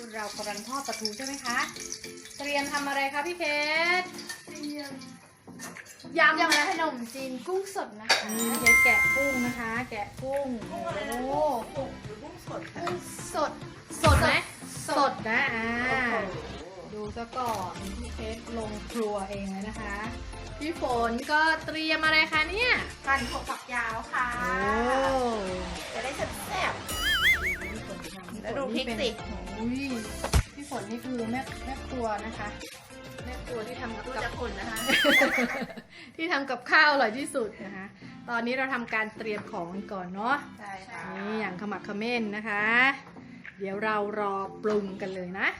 เรากำลังทอดปลาทูใช่ไหมคะเตรียมทำอะไรคะพี่เพชรเตรียมยำขนมจีนกุ้งสดนะคะเพชรแกะกุ้งนะคะ แกะกุ้งโอ้กุ้งสดกุ้งสดสดไหมสดนะดูซะก่อนพี่เพชรลงครัวเองเลยนะคะพี่ฝนก็เตรียมอะไรคะเนี่ยหั่นถั่วฝักยาวค่ะโอ้จะได้แซ่บๆแล้วดูพริกสิอุ้ยพี่ฝนนี่คือแม่ครัวนะคะแม่ครัวที่ทำกับดูจะคนนะคะที่ทำกับข้าวอร่อยที่สุดนะคะ ตอนนี้เราทำการเตรียมของกันก่อนเนาะใช่ค่ะนี่อย่างขมักเขม้นนะคะ เดี๋ยวเรารอปรุงกันเลยนะ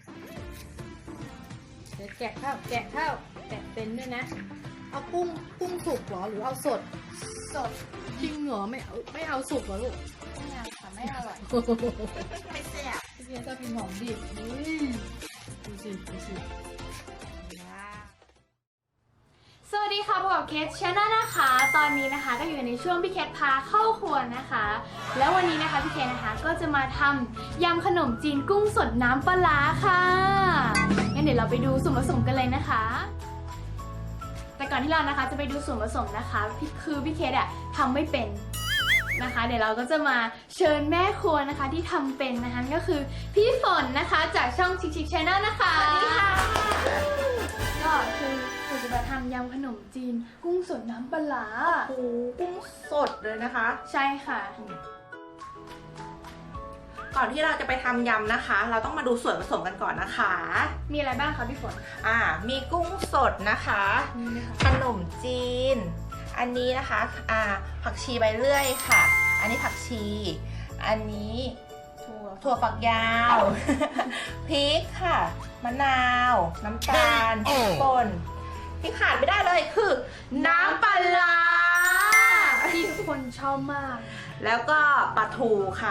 เดี๋ยวแกะข้าวแกะเป็นด้วยนะ เอากุ้งสุกเหรอหรือเอาสดจริงเหรอไม่เอาสุกเหรอลูกไม่เอาค่ะไม่อร่อยไม่แซ่บพี่เพียจะกินหอมดิบดูสิว้าวสวัสดีค่ะพบกับเคสชาแนลนะคะ ตอนนี้นะคะก็อยู่ในช่วงพี่เคสพาเข้าครัวนะคะ แล้ววันนี้นะคะพี่เคสนะคะก็จะมาทำยำขนมจีนกุ้งสดน้ำปลาร้าค่ะงั้นเดี๋ยวเราไปดูส่วนผสมกันเลยนะคะ แต่ก่อนที่เรานะคะจะไปดูส่วนผสมนะคะคือพี่เคสอะทำไม่เป็นนะคะเดี๋ยวเราก็จะมาเชิญแม่ครัวนะคะที่ทำเป็นนะคะก็คือพี่ฝนนะคะจากช่องชิคชาแนลนะคะสวัสดีค่ะก็คือหนูจะมาทำยำขนมจีนกุ้งสดน้ำปลาร้าโอ้โหกุ้งสดเลยนะคะใช่ค่ะก่อนที่เราจะไปทำยำนะคะ เราต้องมาดูส่วนผสมกันก่อนนะคะมีอะไรบ้างคะพี่ฝนมีกุ้งสดนะคะนี่ค่ะขนมจีน อันนี้นะคะผักชีใบเลื่อยค่ะ อันนี้ผักชี อันนี้ถั่วฝักยาว พริกค่ะ มะนาว น้ำตาลพริกป่นที่ขาดไม่ได้เลยคือ น้ำปลาร้าที่ทุกคนชอบมากแล้วก็ปลาทูค่ะ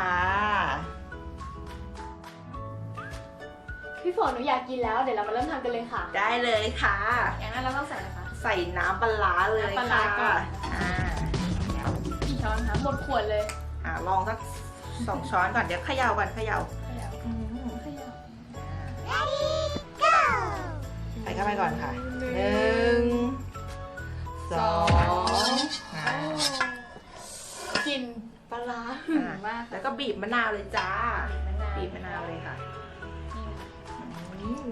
พี่ฝนหนูอยากกินแล้วเดี๋ยวเรามาเริ่มทำกันเลยค่ะได้เลยค่ะอย่างนั้นเราต้องใส่อะไรคะใส่น้ำปลาร้าเลยน้ำปลาร้าค่ะก่อนอ่ากี่ช้อนคะหมดขวดเลยลองสัก2 ช้อนก่อนเดี๋ยวเขย่าก่อนเขย่าอืม ใส่เข้าไปก่อนค่ะ 1 2 กลิ่นปลาร้าหึงมากแล้วก็บีบมะนาวเลยจ้า บีบมะนาวเลยค่ะอืม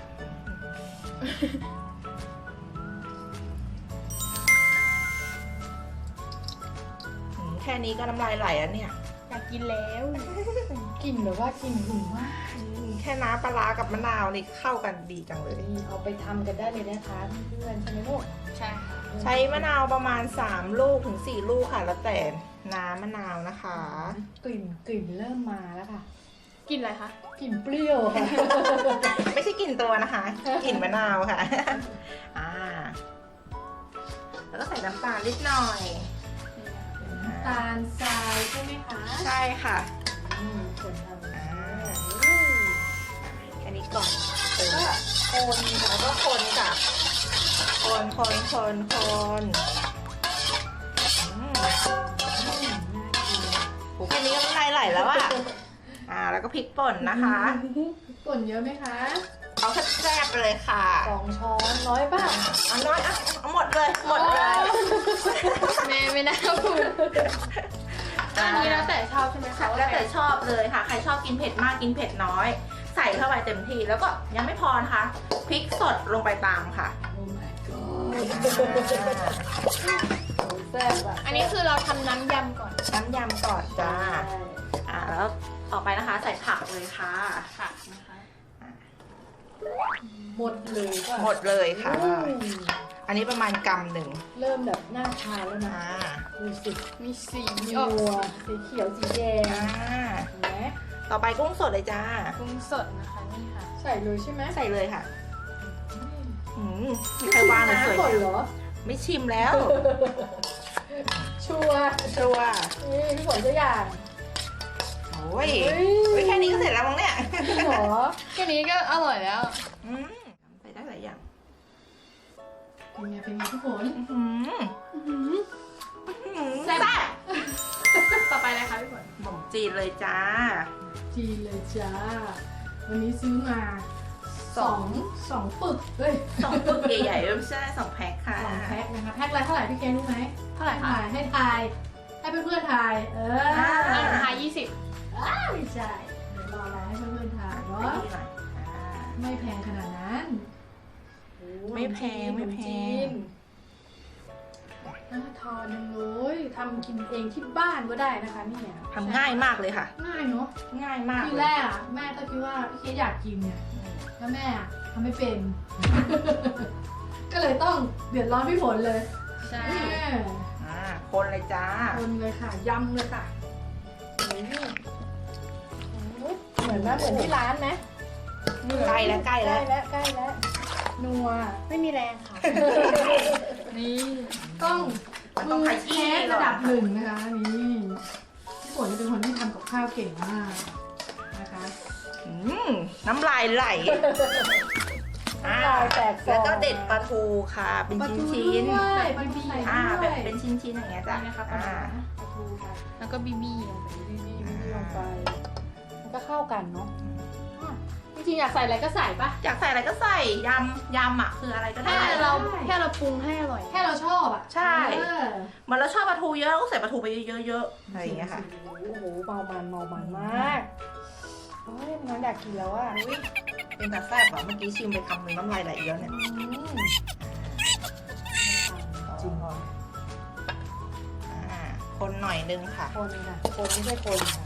แค่นี้ก็น้ำลายไหลแล้วเนี่ยอยากกินแล้วกลิ่นแบบว่ากลิ่นหึงมากแค่น้ำปลาร้ากับมะนาวนี่เข้ากันดีจังเลยนี่เอาไปทำกันได้เลยนะคะเพื่อนๆใช่ไหมลูกใช่ค่ะใช้มะนาวประมาณ3 ลูกถึง 4 ลูกค่ะ แล้วแต่น้ำมะนาวนะคะกลิ่นเริ่มมาแล้วค่ะกินอะไรคะกลิ่นเปรี้ยวค่ะไม่ใช่กลิ่นตัวนะคะ กลิ่นมะนาวค่ะ แล้วก็ใส่น้ำตาลนิดหน่อยน้ำตาลทรายใช่ไหมคะใช่ค่ะคนทำแค่นี้ก่อนก็คนแล้วก็คนค่ะ คนโหแค่นี้ก็น้ำลายไหลแล้วอะแล้วก็พริกป่นนะคะป่นเยอะไหมคะเอาแซ่บๆเลยค่ะ 2 ช้อนน้อยป่ะเอาน้อยเอาหมดเลยหมดเลยแม่ไม่น่าพูดอันนี้แล้วแต่ชอบใช่ไหมคะแล้วแต่ชอบเลยค่ะ ใครชอบกินเผ็ดมากกินเผ็ดน้อย ใส่เข้าไปเต็มที่แล้วก็ยังไม่พอนะคะพริกสดลงไปตามค่ะโอ้ my god แซ่บอ่ะอันนี้คือเราทำน้ำยำก่อนน้ำยำก่อนจ้าแล้วต่อไปนะคะใส่ผักเลยค่ะค่ะนะคะหมดเลยป่ะหมดเลยค่ะอืมอันนี้ประมาณ1 เริ่มแบบน่าทานแล้วนะดูสิมีสีมีออกนัวสีเขียวสีแดงเห็นไหมต่อไปกุ้งสดเลยจ้ากุ้งสดนะคะนี่ค่ะใส่เลยใช่ไหมใส่เลยค่ะมีใครวางเลยสวยก่อนเหรอไม่ชิมแล้วชัวร์ชัวร์นี่พี่ฝนตัวอย่างโอ้ยแค่นี้ก็เสร็จแล้วมั้งเนี่ยจริงเหรอแค่นี้ก็อร่อยแล้วใส่ได้หลายอย่างเป็นไงพี่ฝนแซ่บ ต่อไปเลยค่ะพี่ฝนขนมจีนเลยจ้าจีนเลยจ้าวันนี้ซื้อมาสองปึกเฮ้ย 2 ปึกใหญ่ๆไม่ใช่2 แพ็คค่ะ 2 แพ็คนะคะแพ็คละเท่าไหร่พี่เคนรู้ไหมเท่าไหร่คะให้ทายให้เพื่อนๆทายทาย20 ไม่ใช่เดี๋ยวรอให้เพื่อนๆทายเนาะไม่แพงขนาดนั้นไม่แพงไม่แพงน่าทานจังเลยทำกินเองที่บ้านก็ได้นะคะนี่เนี่ยทำง่ายมากเลยค่ะง่ายเนาะง่ายมากทีเลยแรกอะแม่ก็คิดว่าพี่เคสอยากกินเนี่ยแล้วแม่อะทำไม่เป็น ก็เลยต้องเดือดร้อนพี่ฝนเลยใช่คนเลยจ้าคนเลยค่ะยำเลยค่ะเหมือนที่ร้านไหมใกล้แล้วใกล้แล้วนัวไม่มีแรงค่ะนี่ต้องมันต้องขยี้มือเชฟระดับหนึ่งนะคะนี่พี่ฝนจะเป็นคนที่ทำกับข้าวเก่งมากนะคะน้ำลายไหลน้ำลายแตกฟองแล้วก็เด็ดปลาทูค่ะ เป็นชิ้นด้วยปลาทูใส่ๆด้วยแบบเป็นชิ้นๆอย่างเงี้ยจ้ะนี่นะคะปลาทูค่ะ แล้วก็บีบี้ลงไปบีลงไปมันก็เข้ากันเนาะจริงๆอยากใส่อะไรก็ใส่ปะอยากใส่อะไรก็ใส่ยำอ่ะคืออะไรก็ได้แค่เราปรุงให้อร่อยแค่เราชอบอ่ะใช่เออเหมือนเราชอบปลาทูเยอะเราก็ใส่ปลาทูไปเยอะๆอะไรอย่างเงี้ยค่ะโอ้โหเมามันมากโอ้ยน้องอยากกินแล้วอ่ะอุ๊ยเป็นตาแซ่บอ่ะเมื่อกี้ชิมไปคำหนึงน้ำลายไหลเยอะเนี่ยจริงเหรอคนหน่อยนึงค่ะคนค่ะคนไม่ใช่คนค่ะ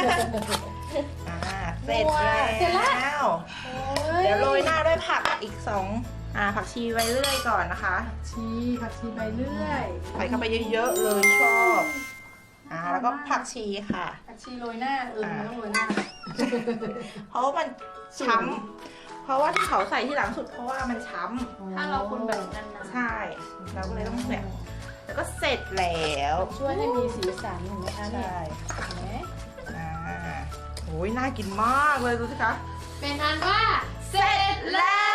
เสร็จเสร็จแล้แล้ว เดี๋ยวโรยหน้าด้วยผักอีก2ผักชีไว้เรื่อยก่อนนะคะผักชีใบเลื่อยใส่เข้าไปเยอะๆเลยชอบแล้วก็ผักชีค่ะผักชีโรยหน้ามันต้องโรยหน้าเพราะว่ามันช้ำเพราะว่าที่เขาใส่ที่หลังสุดเพราะว่ามันช้ำถ้าเราคนแบบนานๆใช่เราก็เลยต้องแบบแล้วก็เสร็จแล้วช่วยให้มีสีสันเห็นไหมคะเนี่ยใช่เห็นไหมโอ้ยน่ากินมากเลยดูสิคะเป็นอันว่าเสร็จแล้ว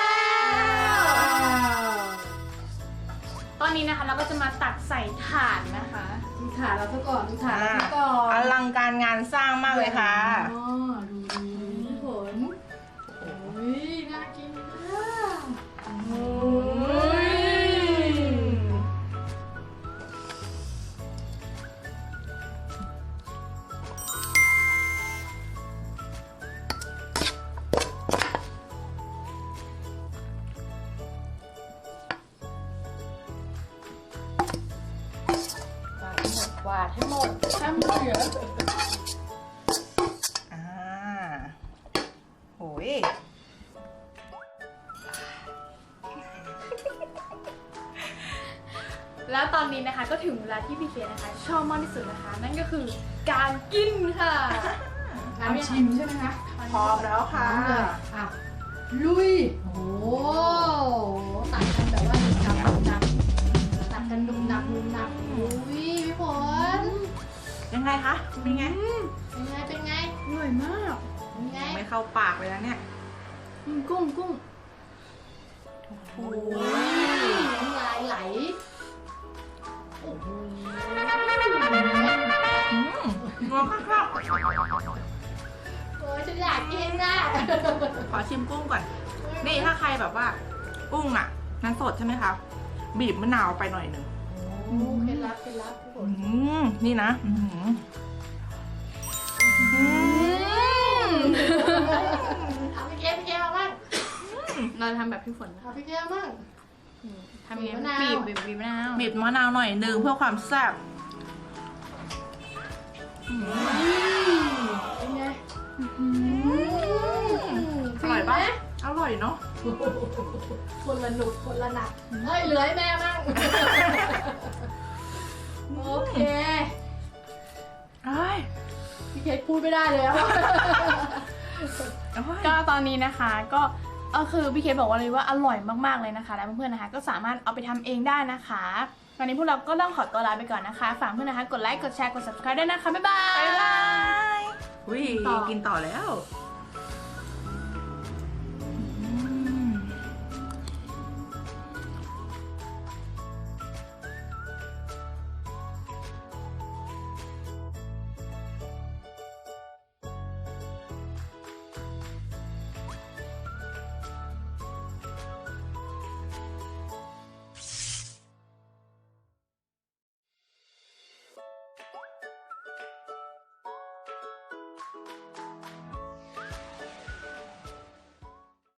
ตอนนี้นะคะเราก็จะมาตักใส่ถาดนะคะดูถาดเราซะก่อนดูถาดเราซะก่อนอลังการงานสร้างมากเลยค่ะอ๋อดูพี่ฝนโอ้ยน่ากินมากโอ้ยกวาดให้หมดห้ามเหลือโอ้ยแล้วตอนนี้นะคะก็ถึงเวลาที่พี่เคนะคะชอบมากที่สุดนะคะ นั่นก็คือการกินค่ะน้ำชิมใช่ไหมคะพร้อมแล้วค่ะพร้อมเลยอ่ะลุยโอ้โหตัดกันแบบว่าดุนับตัดกันดุนับอุ้ยพี่ฝนยังไงคะเป็นไงเป็นไงอร่อยมากเป็นไงไม่เข้าปากเลยนะเนี่ยกุ้งโอ้น้ำลายไหลโอ้โหงอข้าวโอ้ยฉันอยากกินน่ะขอชิมกุ้งก่อน นี่ถ้าใครแบบว่า กุ้งอ่ะนั้นสดใช่ไหมคะ บีบมะนาวไปหน่อยหนึ่งโอ้เคล็ดลับพี่ฝนนี่นะเอาพี่เกมาบ้างเราทำแบบพี่ฝนนะเอาพี่เกมาบ้างทำยังไงบีบมะนาวบีบมะนาวบีบมะนาวหน่อยหนึ่งเพื่อความแซ่บเป็นไงอร่อยปะอร่อยเนาะคนละหนุกคนละหนักเฮ้ยเหลือให้แม่บ้างโอเค พี่เคพูดไม่ได้เลยอะก็ตอนนี้นะคะก็คือพี่เคบอกว่าเลยว่าอร่อยมากๆเลยนะคะแล้วเพื่อนๆนะคะก็สามารถเอาไปทำเองได้นะคะวันนี้พวกเราก็ต้องขอตัวลาไปก่อนนะคะฝากเพื่อนนะคะกดไลค์กดแชร์กด subscribe ด้วยนะคะบ๊ายบายอุ้ยกินต่อแล้ว